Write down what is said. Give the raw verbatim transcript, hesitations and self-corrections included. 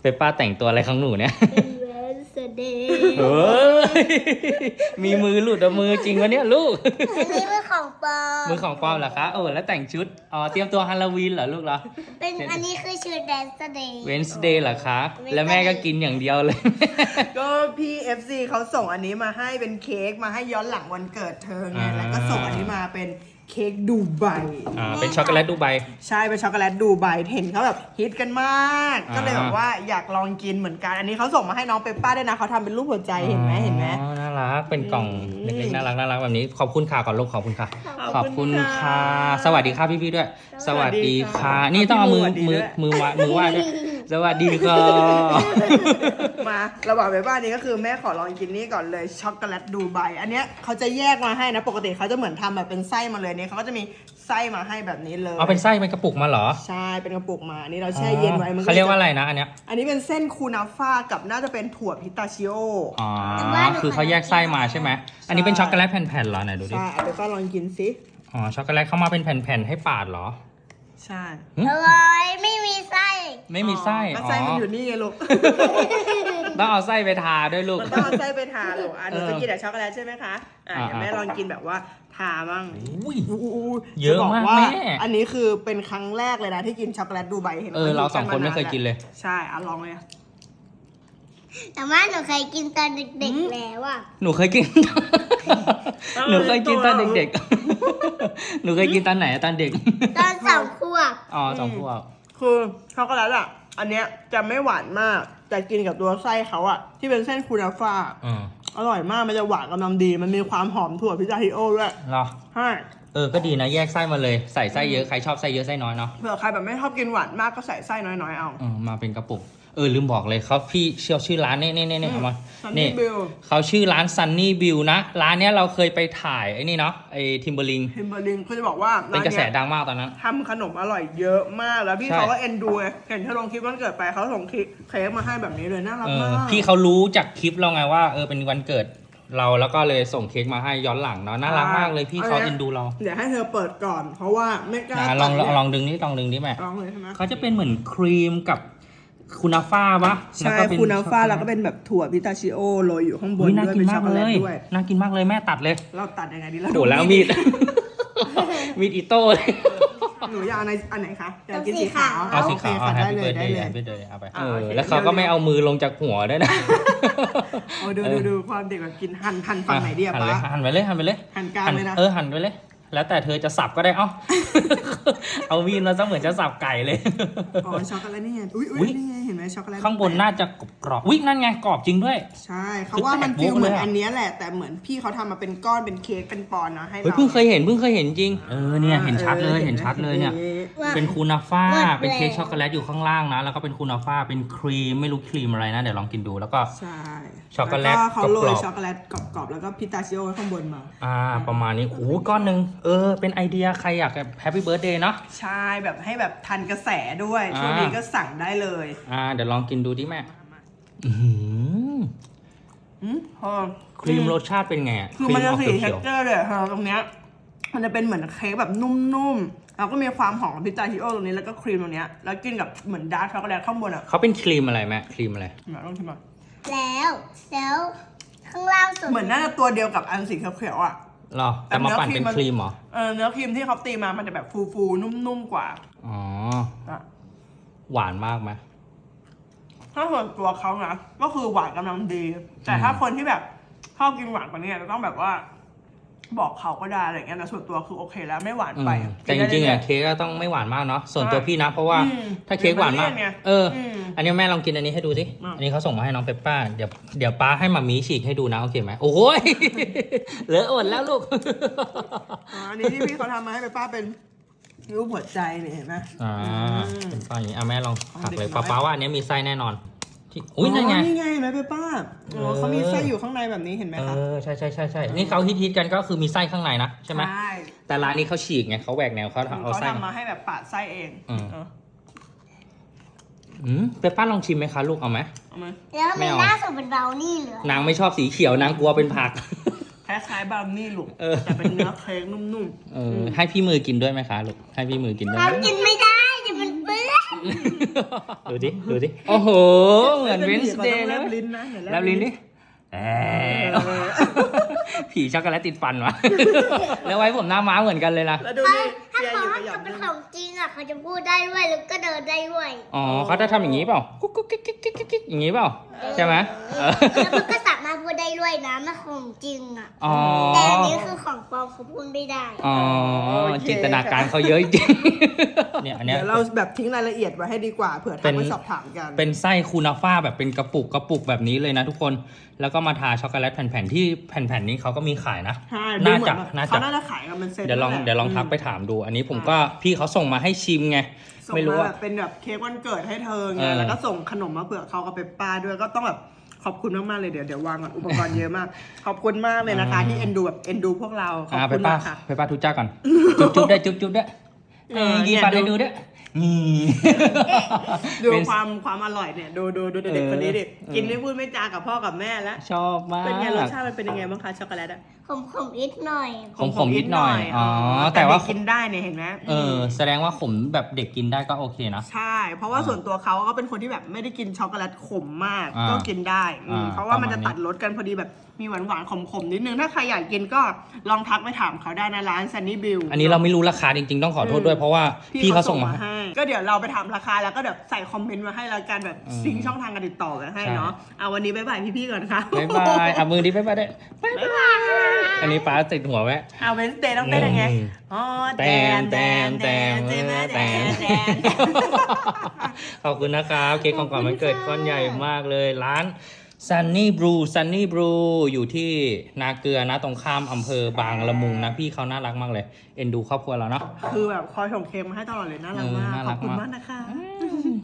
ปป้าแต่งตัวอะไรของหนูเนี่ยเป็นเวนสเดย์เฮ้ยมีมือหลุดเอามือจริงวะเนี่ยลูกอันนี้มือของปอมมือของปลอมเหรอคะโอ้แล้วแต่งชุดอ๋อเตรียมตัวฮาโลวีนเหรอลูกเหรอเป็นอันนี้คือชุดเวนสเดย์เวนส์เดย์เหรอคะแล้วแม่ก็กินอย่างเดียวเลยก็พี่ เอฟ ซี เขาส่งอันนี้มาให้เป็นเค้กมาให้ย้อนหลังวันเกิดเธอไงอ่าแล้วก็ส่งอันนี้มาเป็นเค้กดูไบอ่าเป็นช็อกโกแลตดูไบใช่เป็นช็อกโกแลตดูไบเห็นเขาแบบฮิตกันมากอ่าก็เลยแบบว่าอยากลองกินเหมือนกัน อันนี้เขาส่งมาให้น้องเปปป้าด้วยนะเขาทำเป็นรูปหัวใจเห็นไหมเห็นไหมอ๋อน่ารักเป็นกล่องอืมเล็กๆน่ารักน่ารักแบบนี้ขอบคุณค่ะก่อนลูกขอบคุณค่ะขขออบบ คุคุณ ณค่ะค่ะ สวัสดีค่ะพี่ๆด้วย สวัสดีค่ะสวัสดีค่ะนี่ต้องเอามือสวัสดีมือด้วยมือวะมือไหว่าด้วยสวัสดีค่ะมาระหว่างเปปป้านี้ก็คือแม่ขอลองกินนี่ก่อนเลยช็อกโกแลตดูไบอันเนี้ยเขาจะแยกมาให้นะปกติเขาจะเหมือนทำแบบเป็นไส้มาเลยเนี่ยเขาก็จะมีไส้มาให้แบบนี้เลยเอาเป็นไส้เป็นกระปุกมาเหรอใช่เป็นกระปุกมาอันนี้เราแช่เย็นไว้มันเขาเรียกว่าอะไรนะอันเนี้ยอันนี้เป็นเส้นคูนาฟ่ากับน่าจะเป็นถั่วพิสตาชิโออ๋อคือเขาแยกไส้มาใช่ไหมอันนี้เป็นช็อกโกแลตแผ่นๆเหรอไหนดูดิใช่เอาไปก็ลองกินสิอ๋อช็อกโกแลตเข้ามาเป็นแผ่นๆให้ปาดเหรอใช่อร่อยไม่มีไส้ไม่มีไส้ก็อ๋อไส้มันอยู่นี่ไงลูกต้องเอาไส้ไปทาด้วยลูกมันต้องเอาไส้ไปทาลูกอ่ะหนูเออจะกินแต่ช็อกโกแลตใช่ไหมคะอ่ะอ่าเดี๋ยวแม่ลองกินแบบว่าทาบ้างอุ้ยอู้อู้เยอะจบมากว่แม่อันนี้คือเป็นครั้งแรกเลยนะที่กินช็อกโกแลตดูไบเห็นเออเราสองคนไม่เคยกินเลยใช่อ่ะลองเลยแต่ว่าหนูเคยกินตอนเด็กอืมๆแล้วอ่ะหนูเคยกินเออหนูเคยกินตอนตัวเราเด็กๆ หนูเคยกินตอนไหนตอนเด็กตอนสองขวบอ๋อสองขวบคือช็อกโกแลตอ่ะ อันเนี้ยจะไม่หวานมาก แต่กินกับตัวไส้เขาอ่ะ ที่เป็นเส้นคูนาฟ่าอืมอร่อยมาก มันจะหวานกำลังดี มันมีความหอมถั่วพิซซ่าฮิโอด้วยเหรอใช่เออ ก็ดีนะ แยกไส้มาเลย ใส่ไส้เยอะ ใครชอบไส้เยอะไส้น้อยเนาะเผื่อใครแบบไม่ชอบกินหวานมากก็ใส่ไส้น้อยๆเอาเออมาเป็นกระปุก เออ ลืมบอกเลยเขาพี่เชื่อชื่อร้านนี่นี่นี่นี่เอามา Sunny นี่ Bill เขาชื่อร้าน Sunny Bill นะ ร้านเนี้ยเราเคยไปถ่ายไอ้นี่เนาะ ไอ้ทิมเบอร์ลิงทิมเบอร์ลิงเขาจะบอกว่าเป็นกระแสดังมากตอนนั้นทำขนมอร่อยเยอะมาก แล้วพี่ใช่เขาก็เอ็นดูไงเห็นเธอลงคลิปวันเกิดไปเขาส่งคลิปเค้กมาให้แบบนี้เลย น่ารักเอมาอก พี่เขารู้จากคลิปเราไงว่า เออ เป็นวันเกิดเราแล้วก็เลยส่งเค้กมาให้ย้อนหลังเนาะ น่ารักมากเลยพี่เขาเอ็นดูเราเดี๋ยวให้เธอเปิดก่อน เพราะว่าไม่กล้านะลองลตัองดลองดึงนี่ลองดึงนี่แม่ลองเลยใช่ไหมเขาจะเป็นเหมือนครีมกับคูนาฟ่าปะใช่แล้วก็เป็คูนาฟ่าช็อกโกแล้วก็เป็นแบบถั่วพิสตาชิโอโรยอยู่ข้างบนอุ๊ยน่าด้วยกินเป็นมาช็อก กโกเลแลตยด้วยน่ากินมากเลยแม่ตัดเลยเราตัดยังไงดีเราโอ้แล้วมีด มีดอิโต้เลยหนูอยากเอาในอันไหนคะอยากกินเอาสีสีขาวขาวเอาสีขาวโอเคค่ะแฮปได้ปี้เลเบิยร์ดได้เดย์เลยแฮปปี้เบิร์ดเดย์เอาไปอ่าเออโอเคแล้วเขาก็ไม่เอามือลงจากหัวด้วยนะโอ้ดูดูดูความเด็กแบบกินหั่นหั่นฝั่งไหนดีอะหั่นป๊าเลยหั่นไปเลยหั่นไปเลยหั่นกลางเลยนะเออหั่นไปเลย แล้วแต่เธอจะสับก็ได้เอ้า เอามีดมาซะเหมือนจะสับไก่เลยอ๋อช็อกโกแลตนี่ไงอุ้ยอุ๊อุ้ยยนี่ไงเห็นไหมช็อกโกแลตข้างบนน่าจะกรอบๆอุ๊ยนั่นไงกรอบจริงด้วยใช่เขาว่ามันคือแตกฟีลเหมือนโบ๊ะเลยอะอันเนี้ยแหละแต่เหมือนพี่เขาทำมาเป็นก้อนเป็นเค้กเป็นปอนด์นะให้เฮ้ยเราเพิ่งเคยเห็นเพิ่งเคยเห็นจริง เออเนี่ยเห็นชัดเลยเห็นชัดเลยเนี่ยว่าเป็นคูนาฟ่าหมดแล้วเป็นเค้กช็อกโกแลตอยู่ข้างล่างนะ แล้วก็เป็นคูนาฟ่า เป็นครีม ไม่รู้ครีมอะไรนะ เดี๋ยวลองกินดู แล้วก็ใช่ช็อกโกแลตวเขาโรกรยอบๆช็อกโกแลตกรอบๆแล้วก็พิสตาชิโอไว้ข้างบนมาอ่า ประมาณนี้โอ้โหก้อนหนึ่งเออ เป็นไอเดียใครอยากแฮปปี้เบิร์ดเดย์เนาะใช่แบบให้แบบทันกระแสด้วยอ่าช่วงนี้ก็สั่งได้เลยอ่า เดี๋ยวลองกินดูดิแม่ อื้อหืออืมพอครีมรสชาติเป็นไงอะคือมันจะคสีรีออกเท็เขีกยวเจอร์เลยค่ะตรงเนี้ยมันจะเป็นเหมือนเค้กแบบนุ่มๆแล้วก็มีความหอมของพิสตาชิโอตรงนี้แล้วก็ครีมตรงเนี้ยแล้วกินกับเหมือนดาร์กช็อกโกแลตข้างบนอ่ะๆเขาเป็นครีมอะไรแม่ ครีมอะไรมาลองชิมอ่ะแล้วแล้วข้างล่างสุดเหมือนน่าจะตัวเดียวกับอันสีเขียวๆอ่ะหรอ แต่มาปั่นเป็นครีมเหรอเออเนื้อครีมที่เขาตีมามันจะแบบฟูๆนุ่มๆกว่าอ๋ออ่ะหวานมากไหมถ้าส่วนตัวเขานะก็คือหวานกำลังดี แต่ถ้าคนที่แบบชอบกินหวานกว่านี้จะต้องแบบว่า บอกเขาก็ได้อะไรเงี้ยแต่ส่วนตัวคือโอเคแล้วไม่หวานอืมไปแต่จริงๆอะเค้กก็ต้องไม่หวานมากเนาะ ส่วนตัวพี่นะ เพราะว่าอืมถ้าเค้กหวานมากเดี๋ยวมันเลี่ยนไงเอออืมอันนี้แม่ลองกินอันนี้ให้ดูสิอืมอันนี้เขาส่งมาให้น้องเปปป้า เดี๋ยวเดี๋ยวป้าให้มามีฉีกให้ดูนะ โอเคไหม โอ้ย เหลืออดแล้วลูกอ๋ออันนี้ที่พี่เขาทำมาให้ไปป้าเป็นรูปหัวใจเนี่ยเห็นไหมอ่าอืมเป็นป้าอย่างนี้อ่ะแม่ลองหักเลยเด็กน้อยป้าป้าว่าอันนี้มีไส้แน่นอนที่อุ้ยนั่นไงนี่ไงเห็นไหมไปป้าโอ้เออเขามีไส้อยู่ข้างในแบบนี้เห็นไหมเอคะอใช่ใช่ใช่ใช่นี่เขาฮิตๆกันก็คือมีไส้ข้างในนะใช่ไหมใช่แต่ร้านนี้เขาฉีกไงเขาแหวกแนวเขาเอาเขาไส้ทำมาให้แบบปาดไส้เองอืมเอออืมเปปป้าลองชิมไหมคะลูกเอาไหมเอามาแล้วไม่มีเอาหน้าสุดเป็นเบราวนี่เหลือนางไม่ชอบสีเขียวนางกลัวเป็นผักคล้ายๆบราวนี่ลูกเออแต่เป็นเนื้อเค้กนุ่มเออให้พี่มือกินด้วยไหมคะลูกให้พี่มือกินด้วยไหมทำกินไม่ได้เดี๋ยวมันเปื้อนดูดิดูดิโอ้โหเหมือนเวนส์เดย์แลเลยบลิ้นนะไหนแลบลิ้นดิแอบผีช็อกโกแลตติดฟันวะ แล้วไว้ผมหน้าม้าเหมือนกันเลยนะแล้วดูถ้านี่ถ้าเชียร์เขาอยู่กับหยอจะดเป็นด้วยของจริงอ่ะเขาจะพูดได้ด้วยแล้วก็เดินได้ด้วยอ๋อเขาจะทำอย่างนี้เปล่ากุ๊กกุ๊กกิ๊กกิ๊กกิ๊กกิ๊กอย่างนี้เปล่าใช่ไหมเออแล้วมันก็สามารถพูดได้ด้วยนะมันของจริงอ่ะอ๋อแต่อันนี้คือของปลอมเขาพูดไม่ได้อ๋อจินตนาการเขาเยอะจริงเนี่ยอันเนี้ยเดี๋ยวเราแบบทิ้งรายละเอียดไว้ให้ดีกว่าเผื่อเป็ทักนไปสอบถามกันเป็นไส้คูนาฟ่าแบบเป็นกระปุกกระปุกแบบนี้เลยนะทุกคนแล้วก็มาทาช็อกโกแลตแผ่นๆที่แผ่นๆนี้เขาก็มีขายนะใช่ดูน่าเหมือจะนแบบน่าเขาจะน่าจะขายกันเป็นเซ็ตเดี๋ยวลองแหะเดี๋ยวลองทักไปถามดู อันนี้ผมอ่าก็พี่เขาส่งมาให้ชิมไงส่งไม่รู้มาว่าแบบเป็นแบบเค้กวันเกิดให้เธอไงเออแล้วก็ส่งขนมมาเผื่อเขากับเปปป้าด้วยก็ต้องแบบขอบคุณมากๆเลยเดี๋ยวเดี๋ยววางก่อนอุปกรณ์เยอะมาก ขอบคุณมากเลยนะคะที่เอ็นดูแบบเอ็นดูพวกเราขอบอ่าไปคุณป้ามากค่ะไปป้าทุจ้าก่อน จุ๊บจุ๊บได้จุ๊บจุ๊บได้เออยีปาได้ดูด้วยนี่ดูเป็นความความอร่อยเนี่ยดูดูดูเด็กๆคนนี้ดิเออกินไม่พูดไม่จากับพ่อกับแม่แล้วชอบมากเป็นไงรสชาติมันเป็นยังไงบ้างคะช็อกโกแลตอะขมขมนิดหน่อยขมขมนิดหน่อยอ๋อแต่ว่าเด็กกินได้เนี่ยเห็นไหมเออแสดงว่าขมแบบเด็กกินได้ก็โอเคนะใช่ เพราะว่าส่วนตัวเขาก็เป็นคนที่แบบไม่ได้กินช็อกโกแลตขมมากอ่าก็กินได้อืมอ่าเพราะว่ามันจะประมาณนี้ตัดรสกันพอดีแบบมีหวานหวานๆขมๆนิดนึงถ้าใครอยากกินก็ลองทักไปถามเขาได้นะร้าน Sunny Bill อันนี้เราไม่รู้ราคาจริงๆต้องขอโทษด้วยเพราะว่าพี่เขาส่งมาให้ให้ ก็เดี๋ยวเราไปถามราคาแล้วก็แบบใส่คอมเมนต์มาให้แล้วกันแบบอืมซิงค์ช่องทางการติดต่อกันให้ใช่เนาะเอาวันนี้บ๊ายบายพี่ๆก่อนค่ะบ๊ายบายอ่ะมือดิบ๊ายบายได้บ๊ายบายอันนี้ป้าติดหัวไว้เอาเวนสเดย์ต้องเต้นยังไงอืมอ๋อแตมแตมแตมแตมแตแตมมแตมขอบคุณนะครับเค้กของขวัญวันเกิดก้อนใหญ่มากเลยร้าน Sunny Brew Sunny Brew อยู่ที่นาเกลือนะตรงข้ามอำเภอบางละมุงนะพี่เขาน่ารักมากเลย เอ็นดูครอบครัวเราเนาะคือแบบคอยส่งเค้กมาให้ตลอดเลยน่ารักมากเออน่าขรัอบกคุณมากมากนะคะ